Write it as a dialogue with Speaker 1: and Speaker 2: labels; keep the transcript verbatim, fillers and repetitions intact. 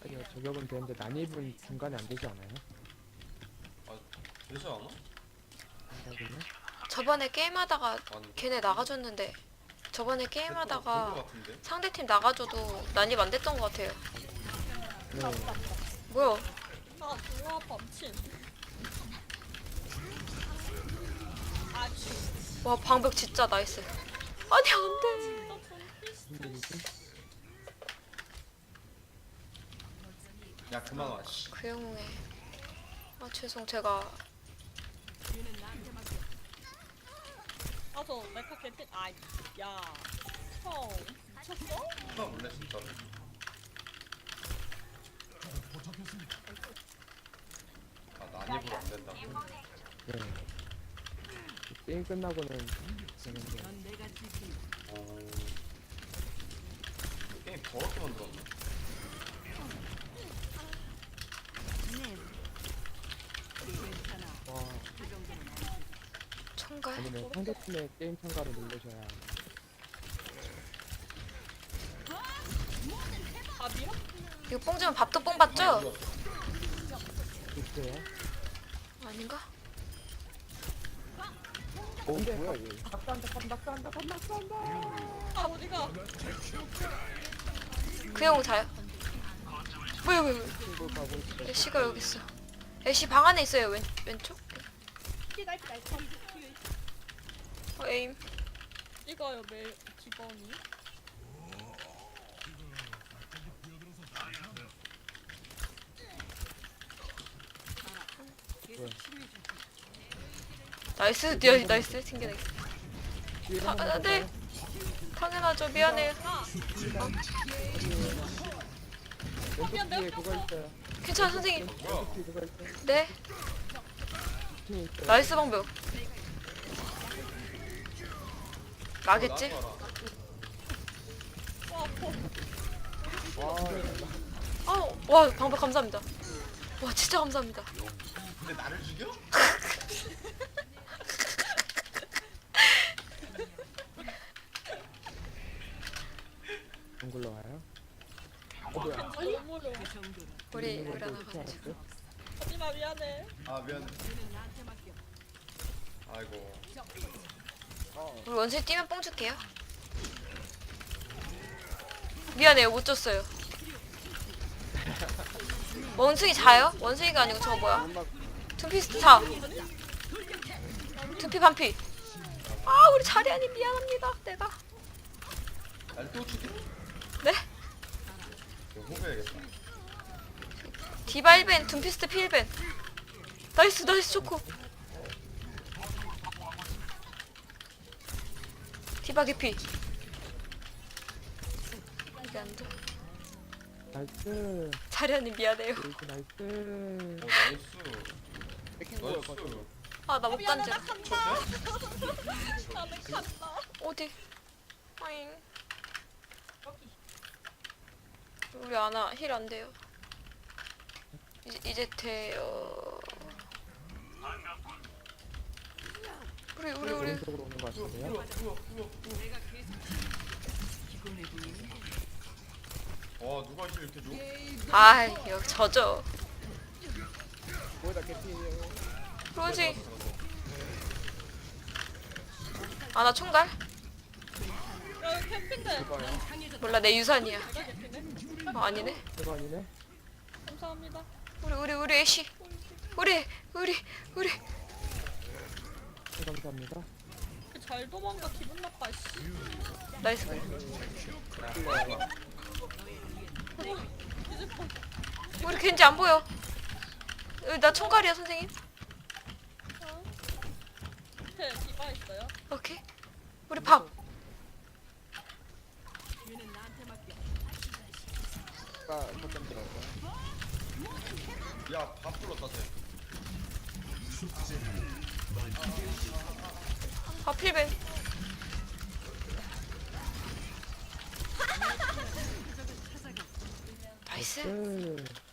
Speaker 1: 아니요, 저격은 되는데 난입은 중간에 안 되지 않아요?
Speaker 2: 아 되지 않아?
Speaker 1: 안되군요.
Speaker 3: 저번에 게임하다가
Speaker 2: 아니
Speaker 3: 걔네 나가줬는데 저번에
Speaker 2: 될거
Speaker 3: 게임하다가
Speaker 2: 같은데?
Speaker 3: 상대팀 나가줘도 난입 안 됐던 것 같아요.
Speaker 1: 네.
Speaker 3: 뭐야?
Speaker 4: 아 좋아 범친. 아주
Speaker 3: 와 방벽 진짜 나이스. 아니 안돼.
Speaker 4: 너 전피스.
Speaker 1: 무슨 일이지?
Speaker 2: 야 그만 와 씨.
Speaker 3: 그 영웅에. 아 죄송 제가
Speaker 4: 아저 메카 개핀. 아야 형 미쳤어?
Speaker 2: 나 몰래 진짜로 아 난입으로 안 된다고?
Speaker 1: 네. 게임 끝나고는 되는데
Speaker 2: 어... 게임 더럽게 만들었네.
Speaker 1: 와,
Speaker 3: 총갈.
Speaker 1: 아니면 상대팀의 게임 참가를 누르셔야
Speaker 4: 아 밀어?
Speaker 3: 이거 뽕 주면 밥도 뽕 받죠?
Speaker 1: 있어요.
Speaker 3: 아닌가?
Speaker 1: 어, 뭐야 얘? 낙사한다, 낙사한다, 낙사한다.
Speaker 4: 아 어디가?
Speaker 3: 그 영웅 자요? 뭐야 뭐야 뭐야?
Speaker 1: 친구 가고 있어.
Speaker 3: 애쉬가 여기 있어. 애쉬 방 안에 있어요. 왼 왼쪽? 어, 에임.
Speaker 4: 이거요 매일 기본이.
Speaker 3: 나이스 뛰어 나이스 튕겨내.
Speaker 1: 뒤에
Speaker 3: 아,
Speaker 1: 한번
Speaker 3: 아, 네. 당연하죠. 미안해요.
Speaker 1: 왼쪽 뒤에 그거 있어요.
Speaker 3: 괜찮아 선생님.
Speaker 1: 왼쪽 뒤에 그거 있어요.
Speaker 3: 네.
Speaker 1: 팀이 있어요.
Speaker 3: 나이스 방벽. 나겠지?
Speaker 2: 나도 알아.
Speaker 4: 와 아파.
Speaker 1: 와,
Speaker 3: 어, 와 방벽 감사합니다. 와 진짜 감사합니다.
Speaker 2: 근데 나를 죽여?
Speaker 1: 안 굴러와요? 어, 뭐야?
Speaker 4: 너무 어려워.
Speaker 3: 우리
Speaker 1: 이거
Speaker 3: 우리 하나
Speaker 1: 어떻게
Speaker 3: 가자.
Speaker 1: 알았어요?
Speaker 4: 하지마 미안해.
Speaker 2: 아 미안. 아이고
Speaker 3: 우리 원숭이 뛰면 뽕 줄게요. 미안해요 못 줬어요. 원숭이 자요? 원숭이가 아니고 저거 뭐야?
Speaker 1: 음악
Speaker 3: 둠피스트 자. 둠피 반피. 아 우리 자리아님 미안합니다. 내가.
Speaker 2: 날 또 죽여?
Speaker 3: 네?
Speaker 2: 이거 호구해야겠다.
Speaker 3: 디바 일 벤 둠피스트 필 벤. 나이스 나이스 좋고. 디바 개피. 이게 안 돼.
Speaker 1: 나이스.
Speaker 3: 자리아님 미안해요.
Speaker 1: 나이스, 나이스.
Speaker 2: 오 나이스.
Speaker 1: 뺏긴 거야,
Speaker 2: 나이스.
Speaker 3: 아 나 못
Speaker 4: 미안해
Speaker 3: 간지.
Speaker 4: 나 간다. 나는 간다.
Speaker 3: 어디? 아잉. 우리 아나 힐 안 돼요. 이제 이제 돼요. 우리 우리 우리
Speaker 1: 오른쪽으로 오는 거 같은데요?
Speaker 2: 와 누가 힐 이렇게 줘?
Speaker 3: 아 여기 저죠.
Speaker 1: 뭐야, 나 개피예요.
Speaker 3: 그러지. 아나 총갈?
Speaker 4: 야 여기 캠핑대.
Speaker 1: 이거요.
Speaker 3: 몰라 내 유산이야.
Speaker 4: 내가 개피네.
Speaker 3: 어 아니네.
Speaker 1: 이거 아니네?
Speaker 4: 감사합니다.
Speaker 3: 우리 우리 우리 애쉬. 우리 우리 우리
Speaker 1: 네, 감사합니다.
Speaker 4: 잘 도망가 기분 나빠 씨.
Speaker 3: 나이스 그래.
Speaker 4: 이제 봐.
Speaker 3: 우리 겐지 안 보여. 여기 나 총갈이야 선생님.
Speaker 4: 밑에 디바 있어요.
Speaker 3: 오케이. 우리 밥.
Speaker 1: 아까 거점 들어갈까요?
Speaker 2: 야밥 불렀다 쟤.
Speaker 3: 밥 필벤. 나이스.
Speaker 1: 네.